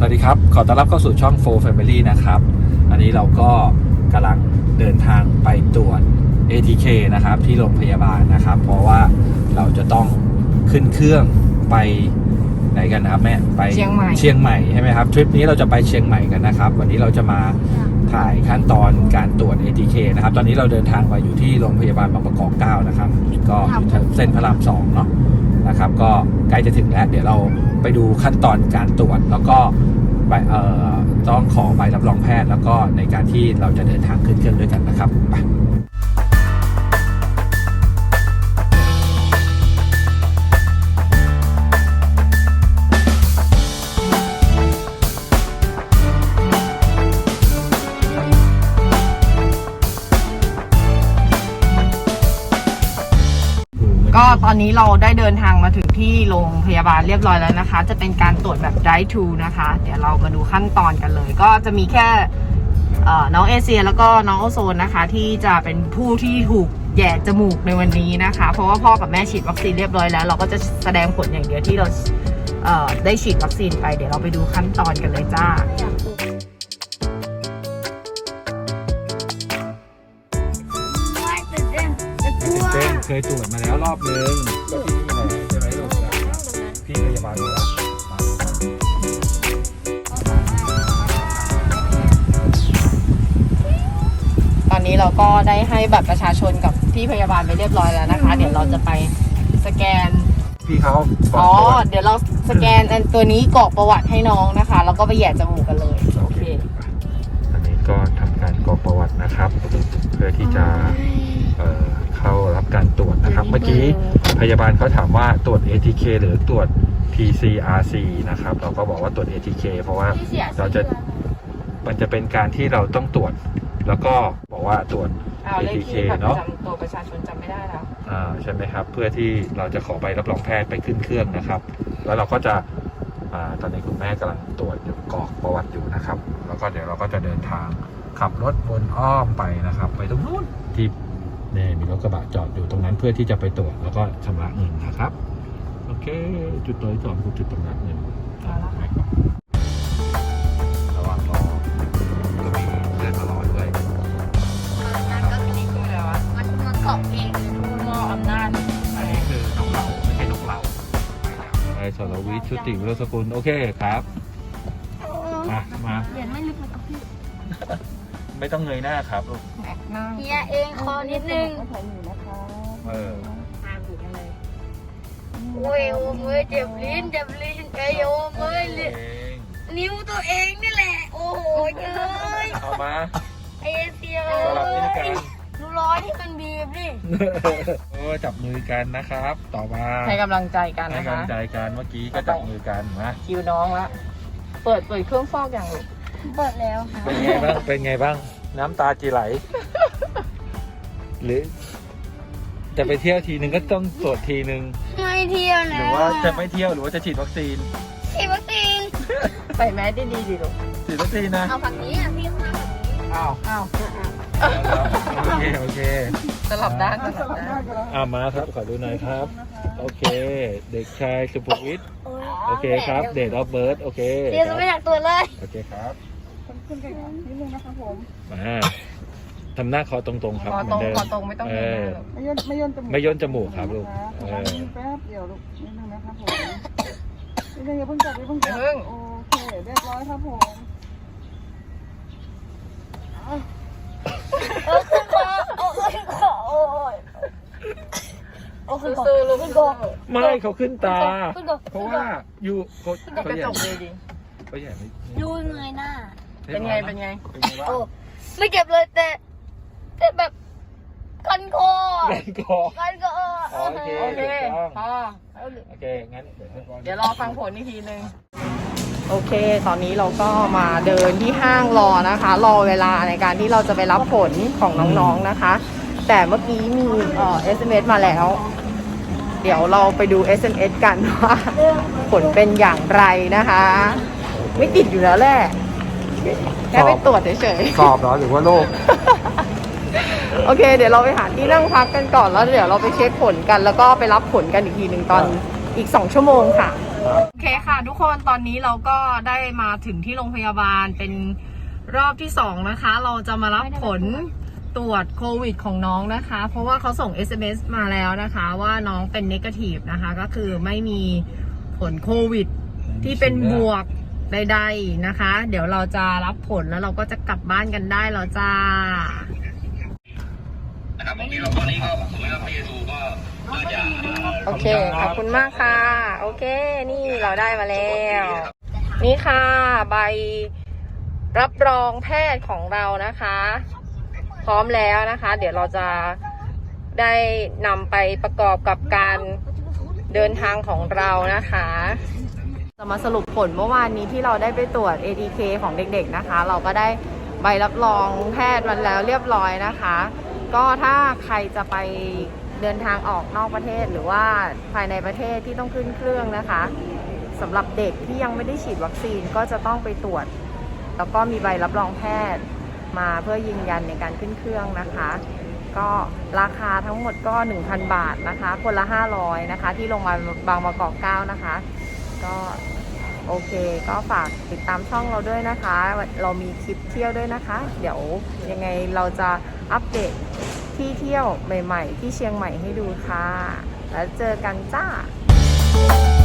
วัสดีครับขอต้อนรับเข้าสู่ช่อง 4 Family นะครับอันนี้เราก็กำลังเดินทางไปตรวจ ATK นะครับที่โรงพยาบาลนะครับเพราะว่าเราจะต้องขึ้นเครื่องไปไหนกันนะครับแม่ไปเชียงใหม่ใช่ไหมครับทริปนี้เราจะไปเชียงใหม่กันนะครับวันนี้เราจะมาถ่ายขั้นตอนการตรวจ ATK นะครับตอนนี้เราเดินทางมาอยู่ที่โรงพยาบาลบางประกอบ9นะครับก็เส้นพระราม2เนาะนะครับก็ใกล้จะถึงแล้วเดี๋ยวเราไปดูขั้นตอนการตรวจแล้วก็ต้องขอใบรับรองแพทย์แล้วก็ในการที่เราจะเดินทางขึ้นเครื่องด้วยกันนะครับไปก็ตอนนี้เราได้เดินทางมาถึงที่โรงพยาบาลเรียบร้อยแล้วนะคะจะเป็นการตรวจแบบ drive thru นะคะเดี๋ยวเรามาดูขั้นตอนกันเลยก็จะมีแค่น้องเอเชียแล้วก็น้องโอโซนนะคะที่จะเป็นผู้ที่ถูกแย่จมูกในวันนี้นะคะเพราะว่าพ่อกับแม่ฉีดวัคซีนเรียบร้อยแล้วเราก็จะแสดงผลอย่างเดียวที่เราได้ฉีดวัคซีนไปเดี๋ยวเราไปดูขั้นตอนกันเลยจ้าเคยตรวจมาแล้วรอบนึงก็ที่นี่แหละใช่ไหมลูกพี่พยาบาลรู้แล้วตอนนี้เราก็ได้ให้บัตรประชาชนกับพี่พยาบาลไปเรียบร้อยแล้วนะคะเดี๋ยวเราจะไปสแกนพี่เขาเดี๋ยวเราสแกนตัวนี้กรอกประวัติให้น้องนะคะแล้วก็ไปแย่จมูกกันเลยโอเคอันนี้ก็ทำการกรอกประวัตินะครับเพื่อที่จะเข้ารับการตรวจนะครับเมื่อกี้พยาบาลเขาถามว่าตรวจ ATK หรือตรวจ PCR นะครับเราก็บอกว่าตรวจ ATK เพราะว่ามันจะเป็นการที่เราต้องตรวจแล้วก็บอกว่าตรวจ ATK เนาะตัวประชาชนจำไม่ได้แล้วใช่ไหมครับเพื่อที่เราจะขอใบรับรองแพทย์ไปขึ้นเครื่องนะครับแล้วเราก็จะตอนนี้คุณแม่กำลังตรวจกรอกประวัติอยู่นะครับแล้วก็เดี๋ยวเราก็จะเดินทางขับรถวนอ้อมไปนะครับไปตรงนู้นที่เนี่ยมีรถกระบะจอดอยู่ตรงนั้นเพื่อที่จะไปตรวจแล้วก็ชำระเงินนะครับโอเคจุดตัวที่สองคือจุดชำระเงินระหว่างรอก็มีเดินมารอด้วยนั่นก็คือนี่คืออะไรวะมันเกาะเองผู้มอบอำนาจอันนี้คือนกเหล่าไม่ใช่นกเหล่าไอ้สรวิทย์ชุติวิโรจน์สกุลโอเคครับมาเรียนไม่ลึกเลยกับพี่ไม่ต้องเงยหน้าครับลูกเฮียเองคอนิดนึงโอ้ยโอ้ยเจ็บลิ้นไอโอ้ยนิ้วตัวเองนี่แหละโอ้โหเอ้ยเอามาไอเสียดูร้อยที่มันบีบดิจับมือกันนะครับต่อมาให้กำลังใจกันนะคะให้กำลังใจกันเมื่อกี้ก็จับมือกันนะคิวน้องละเปิดเครื่องฟอกอย่างลูกเปิดแล้วค่ะเป็นไงบ้างน้ำตาจีไหลหรือจะไปเที่ยวทีนึงก็ต้องตรวจทีนึงไม่เที่ยวนะหรือว่าจะไม่เที่ยวหรือว่าจะฉีดวัคซีนใส่แมสดีดิลูกฉีดวัคซีนนะเอาฝั่งนี้พี่ข้างหน้าฝั่งนี้อ้าวโอเคสลับด้านมาครับขอดูหน่อยครับโอเคเด็กชายสุภวิทย์โอเคครับเดทออฟเบิร์ธโอเคเดี๋ยวไม่อยากตรวจเลยโอเคครับขึ้นกันนิดนึงนะครับผมทำหน้าคอตรงๆครับเหมือนเดิมคอตรงไม่ต้องไม่ย่นจมูกครับลูกแป๊บเดียวลูกนิดนึงนะครับผมนิดนึงอย่าเพิ่งจับโอเคเรียบร้อยครับผมขึ้นคอสู้ลูกไม่เขาขึ้นตาเพราะว่าอยู่เขากระจกเลยดิเขาใหญ่ไม่ดูเงยหน้าเป็นไงโอ้ไม่เจ็บเลยแต่แบบคันคอโอเคโอเคงั้นเดี๋ยวรอฟังผลอีกทีนึงโอเคตอนนี้เราก็มาเดินที่ห้างรอนะคะรอเวลาในการที่เราจะไปรับผลของน้องๆนะคะแต่เมื่อกี้มีSMS มาแล้วเดี๋ยวเราไปดู SMS กันว่าผลเป็นอย่างไรนะคะไม่ติดอยู่แล้วแหละแค่ไปตรวจเฉยๆสอบเหรอหรือว่าโรคโอเคเดี๋ยวเราไปหาที่นั่งพักกันก่อนแล้วเดี๋ยวเราไปเช็คผลกันแล้วก็ไปรับผลกันอีกทีหนึ่งตอนอีก2 ชั่วโมงค่ะโอเคค่ะทุกคนตอนนี้เราก็ได้มาถึงที่โรงพยาบาลเป็นรอบที่2นะคะเราจะมารับผลตรวจโควิดของน้องนะคะเพราะว่าเขาส่ง SMS มาแล้วนะคะว่าน้องเป็นเนกาทีฟนะคะก็คือไม่มีผลโควิดที่เป็นบวกใดๆนะคะเดี๋ยวเราจะรับผลแล้วเราก็จะกลับบ้านกันได้แล้วจ้าโอเคขอบคุณมากค่ะโอเคนี่เราได้มาแล้วนี่ค่ะใบรับรองแพทย์ของเรานะคะพร้อมแล้วนะคะเดี๋ยวเราจะได้นำไปประกอบกับการเดินทางของเรานะคะจะมาสรุปผลเมื่อวานนี้ที่เราได้ไปตรวจ ATK ของเด็กๆนะคะเราก็ได้ใบรับรองแพทย์มันแล้วเรียบร้อยนะคะก็ถ้าใครจะไปเดินทางออกนอกประเทศหรือว่าภายในประเทศที่ต้องขึ้นเครื่องนะคะสำหรับเด็กที่ยังไม่ได้ฉีดวัคซีนก็จะต้องไปตรวจแล้วก็มีใบรับรองแพทย์มาเพื่อยืนยันในการขึ้นเครื่องนะคะก็ราคาทั้งหมดก็ 1,000 บาทนะคะคนละ500นะคะที่โรงพยาบาลบางประกอบ9นะคะก็โอเคก็ฝากติดตามช่องเราด้วยนะคะเรามีคลิปเที่ยวด้วยนะคะเดี๋ยวยังไงเราจะอัปเดตที่เที่ยวใหม่ๆที่เชียงใหม่ให้ดูค่ะแล้วเจอกันจ้า